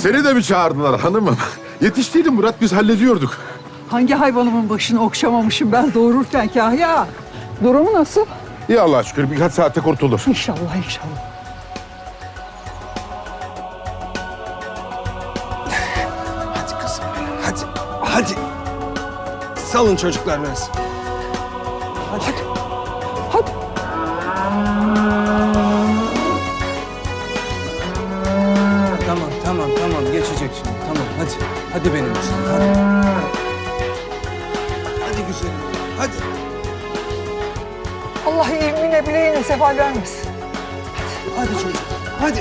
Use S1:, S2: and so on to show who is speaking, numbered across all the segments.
S1: Seni de mi çağırdılar hanımım? Yetiştiydin Murat, biz hallediyorduk.
S2: Hangi hayvanımın başını okşamamışım ben doğururken Kahya? Durumu nasıl?
S1: İyi Allah'a şükür, birkaç saate kurtulur.
S2: İnşallah inşallah.
S3: Hadi kızım, hadi, hadi. Salın çocuklar biraz. Hadi.
S2: Hadi.
S3: Tamam. Geçecek şimdi. Tamam, hadi. Hadi benim üstüm, hadi. Hadi güzelim, hadi.
S2: Allah ilmine bileğine zeval vermesin.
S3: Hadi çocuk, hadi.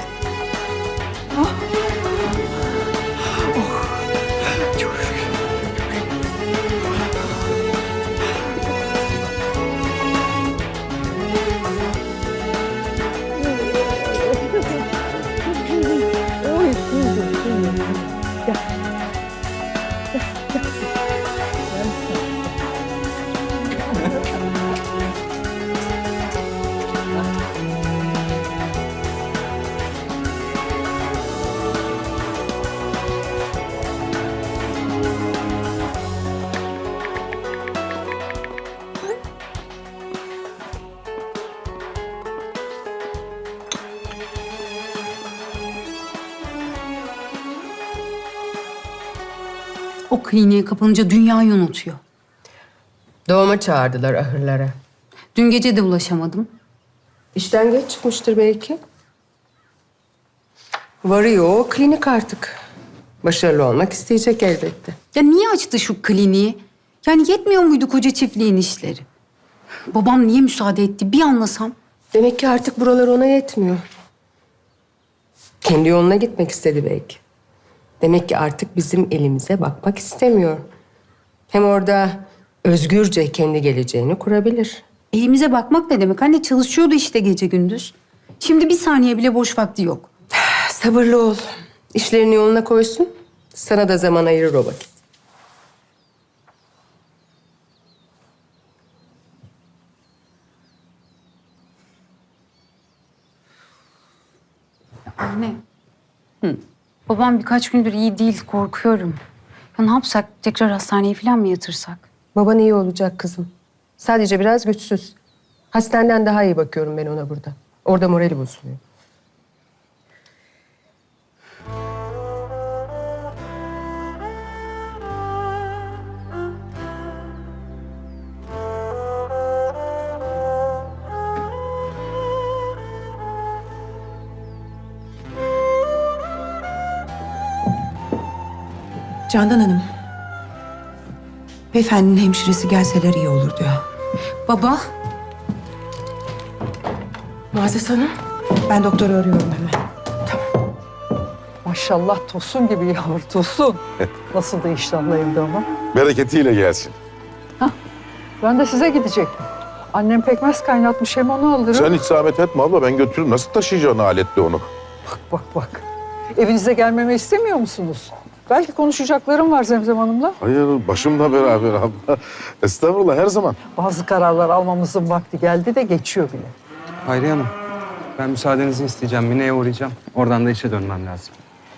S4: O kliniğe kapanınca dünyayı unutuyor.
S5: Doğuma çağırdılar ahırlara.
S4: Dün gece de ulaşamadım.
S5: İşten geç çıkmıştır belki. Varıyor o klinik artık. Başarılı olmak isteyecek elbette.
S4: Ya niye açtı şu kliniği? Yani yetmiyor muydu koca çiftliğin işleri? Babam niye müsaade etti bir anlasam.
S5: Demek ki artık buralar ona yetmiyor. Kendi yoluna gitmek istedi belki. Demek ki artık bizim elimize bakmak istemiyor. Hem orada özgürce kendi geleceğini kurabilir.
S4: Elimize bakmak ne demek? Anne çalışıyordu işte gece gündüz. Şimdi bir saniye bile boş vakti yok.
S5: Sabırlı ol. İşlerini yoluna koysun. Sana da zaman ayırır o vakit.
S4: Anne. Babam birkaç gündür iyi değil, korkuyorum. Ya ne yapsak? Tekrar hastaneye falan mı yatırsak?
S5: Baban iyi olacak kızım. Sadece biraz güçsüz. Hastaneden daha iyi bakıyorum ben ona burada. Orada morali bozuluyor.
S6: Candan Hanım. Beyefendinin hemşiresi gelseler iyi olur diyor.
S4: Baba,
S5: Muazzez Hanım.
S6: Ben doktoru arıyorum hemen.
S2: Maşallah Tosun gibi yavru Tosun. Nasıl da iştahlı evde ama.
S1: Bereketiyle gelsin.
S2: Ben de size gidecektim. Annem pekmez kaynatmış hem onu alırım.
S1: Sen hiç zahmet etme abla, ben götürürüm. Nasıl taşıyacaksın aletle onu?
S2: Bak. Evinize gelmemi istemiyor musunuz? Belki konuşacaklarım var Zemzem Hanım'la.
S1: Hayır, başımla beraber abla. Estağfurullah, her zaman.
S2: Bazı kararlar almamızın vakti geldi de geçiyor bile.
S3: Hayriye Hanım, ben müsaadenizi isteyeceğim. Mine'ye uğrayacağım. Oradan da işe dönmem lazım.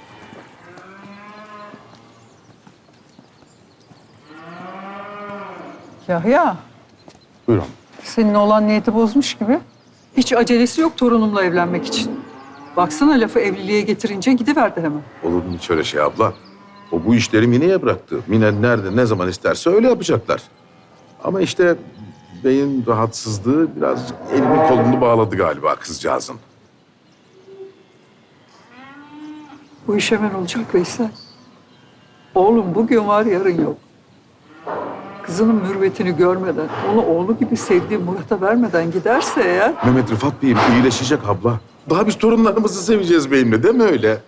S2: Yahya,
S1: Buyurun.
S2: senin olan niyeti bozmuş gibi. Hiç acelesi yok torunumla evlenmek için. Baksana lafı evliliğe getirince gidiverdi hemen.
S1: Olur mu hiç öyle şey abla? O bu işleri Mine'ye bıraktı. Mine nerede, ne zaman isterse öyle yapacaklar. Ama işte beyin rahatsızlığı birazcık elini kolunu bağladı galiba kızcağızın.
S2: Bu iş hemen olacak Veysel. Oğlum bugün var yarın yok. Kızının mürvetini görmeden, onu oğlu gibi sevdiği Murat'a vermeden giderse eğer...
S1: Mehmet Rıfat Bey'im iyileşecek abla. Daha biz torunlarımızı seveceğiz beyimle, değil mi öyle?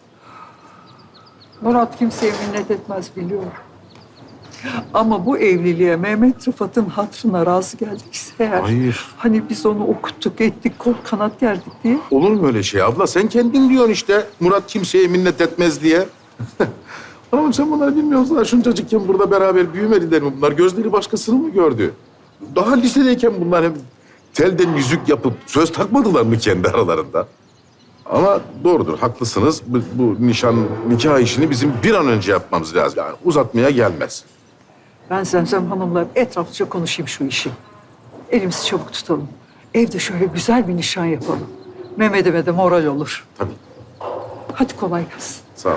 S2: Murat kimseye minnet etmez biliyorum. Ama bu evliliğe Mehmet Rıfat'ın hatırına razı geldiyse eğer...
S1: Hayır.
S2: Hani biz onu okuttuk, ettik, kol kanat gerdik diye.
S1: Olur mu öyle şey abla? Sen kendin diyorsun işte. Murat kimseye minnet etmez diye. Hanım sen bunları bilmiyorsun. Şuncacıkken burada beraber büyümediler mi bunlar? Gözleri başkasını mı gördü? Daha lisedeyken bunlar hem telden yüzük yapıp söz takmadılar mı kendi aralarında? Ama doğrudur, haklısınız. Bu nikah işini bizim bir an önce yapmamız lazım. Yani uzatmaya gelmez.
S2: Ben Zemzem Hanım'la etraflıca konuşayım şu işi. Elimizi çabuk tutalım. Evde şöyle güzel bir nişan yapalım. Mehmet'ime de moral olur.
S1: Tabii.
S2: Hadi kolay gelsin.
S1: Sağ ol.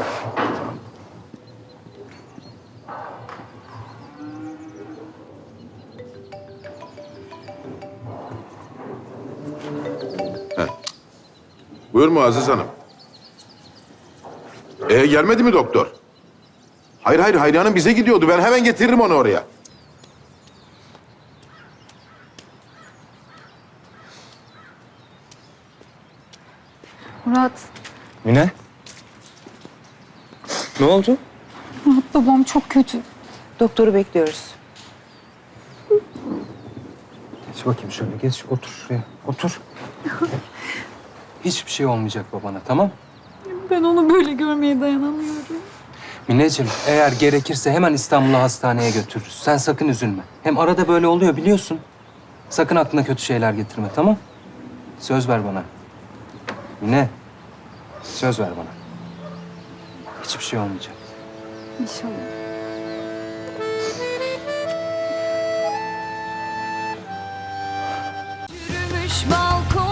S1: Heh. Buyur Muazzez Hanım. Gelmedi mi doktor? Hayır Hayri Hanım bize gidiyordu. Ben hemen getiririm onu oraya.
S4: Murat,
S3: Mine? Ne oldu?
S4: Murat babam çok kötü.
S6: Doktoru bekliyoruz.
S3: Geç bakayım şöyle, geç. Otur şuraya, otur. Hiçbir şey olmayacak babana, tamam?
S4: Ben onu böyle görmeye dayanamıyorum.
S3: Mineciğim, eğer gerekirse hemen İstanbul'a hastaneye götürürüz. Sen sakın üzülme. Hem arada böyle oluyor biliyorsun. Sakın aklına kötü şeyler getirme, tamam? Söz ver bana. Mine, söz ver bana. Hiçbir şey olmayacak.
S4: İnşallah.
S7: Yürümüş balkon